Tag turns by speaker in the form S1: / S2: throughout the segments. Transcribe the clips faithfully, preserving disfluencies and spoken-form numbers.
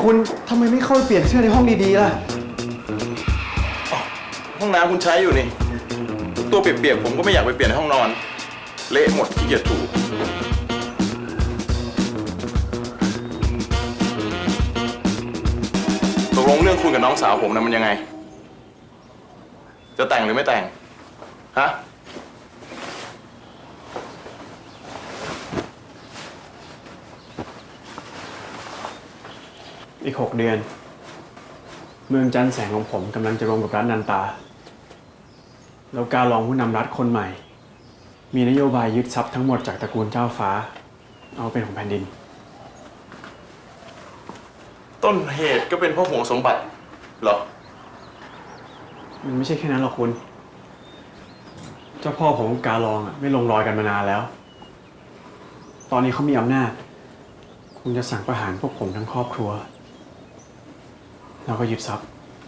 S1: คุณทำไมไม่เข้าไปเปลี่ยนเสื้อในห้องดีๆล่ะ
S2: ห้องน้ำคุณใช้อยู่นี่ตัวเปียกๆผมก็ไม่อยากไปเปลี่ยนในห้องนอนเละหมดขี้เกียจถูตกลงเรื่องคุณกับน้องสาวผมนะมันยังไงจะแต่งหรือไม่แต่งฮะ
S1: อีกหกเดือนเมืองจันทร์แสงของผมกำลังจะรวมกับรัฐนันตาแล้วการรองผู้นำรัฐคนใหม่ มีนโยบายยึดทรัพย์ทั้งหมดจากตระกูลเจ้าฟ้าเอาเป็นของแผ่นดิน
S2: ต้นเหตุก็เป็นเพราะห่วงสมบัติเหรอ
S1: มันไม่ใช่แค่นั้นหรอกคุณเจ้าพ่อผมกับการรองอ่ะไม่ลงรอยกันมานานแล้วตอนนี้เขามีอำนาจคงจะสั่งประหารพวกผมทั้งครอบครัวแล้วก็ยึดทรัพย์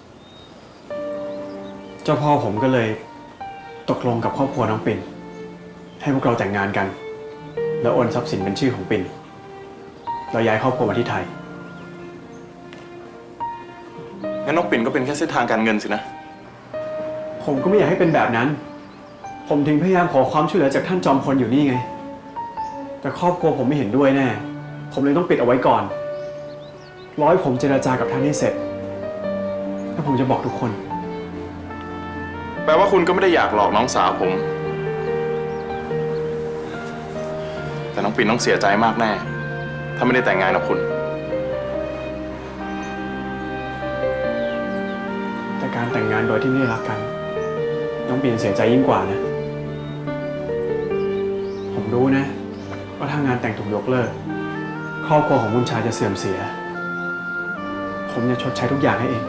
S1: เจ้าพ่อผมก็เลยตกลงกับครอบครัวน้องปิ่นให้พวกเราแต่งงานกันแล้วโอนทรัพย์สินเป็นชื่อของปิ่นเราย้ายครอบครัวมาที่ไทย
S2: งั้นน้องปิ่นก็เป็นแค่เส้นทางการเงินสินะ
S1: ผมก็ไม่อยากให้เป็นแบบนั้นผมถึงพยายามขอความช่วยเหลือจากท่านจอมพลอยู่นี่ไงแต่ครอบครัวผมไม่เห็นด้วยแน่ผมเลยต้องปิดเอาไว้ก่อนรอให้ผมเจรจากับท่านให้เสร็จแล้วผมจะบอกทุกคน
S2: แปลว่าคุณก็ไม่ได้อยากหลอกน้องสาวผมแต่น้องปิ่นต้องเสียใจมากแน่ถ้าไม่ได้แต่งงานกับคุณ
S1: แต่การแต่งงานโดยที่ไม่ได้รักกันน้องปิ่นเสียใจยิ่งกว่านะผมรู้นะว่าถ้างานแต่งถูกยกเลิกครอบครัวของบุญชายจะเสื่อมเสียผมจะชดใช้ทุกอย่างให้เอง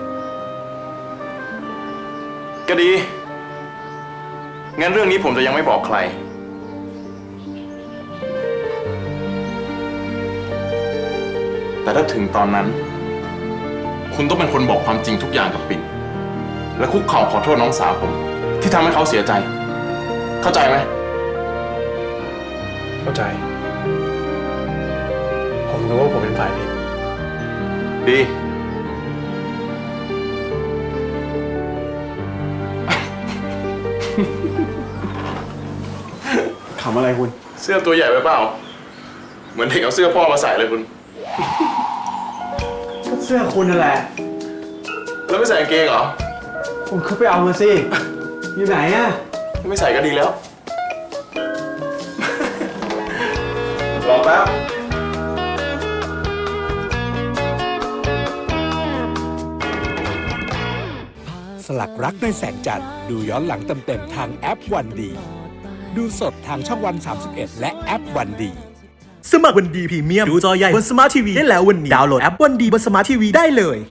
S2: ก็ดีงั้นเรื่องนี้ผมจะยังไม่บอกใครแต่ถ้าถึงตอนนั้นคุณต้องเป็นคนบอกความจริงทุกอย่างกับปิ่นและคุกเข่าขอโทษน้องสาวผมที่ทำให้เขาเสียใจเข้าใจไหม
S1: เข้าใจผมรู้ว่าผมเป็นฝ่ายผิด
S2: ดี
S1: ขำอะไรคุณ
S2: เสื้อตัวใหญ่ไปเปล่าเหมือนเด็กเอาเสื้อพ่อมาใส่เลยคุณ
S1: ก็เสื้อคุณนั่นแหละ
S2: แล้วไม่ใส่กางเกงเหรอ
S1: ผมเข้าไปเอามาสิอยู่ไหนอะ
S2: ไม่ใส่ก็ดีแล้วรอแป๊บ
S3: สลักรักในแสงจันทร์ดูย้อนหลังเต็มๆทางแอปวันดีดูสดทางช่องวันสามสิบเอ็ดและแอปวันดี
S4: สมัครวันดีพรีเมียมดูจอใหญ่บนสมาร์ททีวีได้แล้ววันนี้ดาวน์โหลดแอปวันดีบนสมาร์ททีวีได้เลย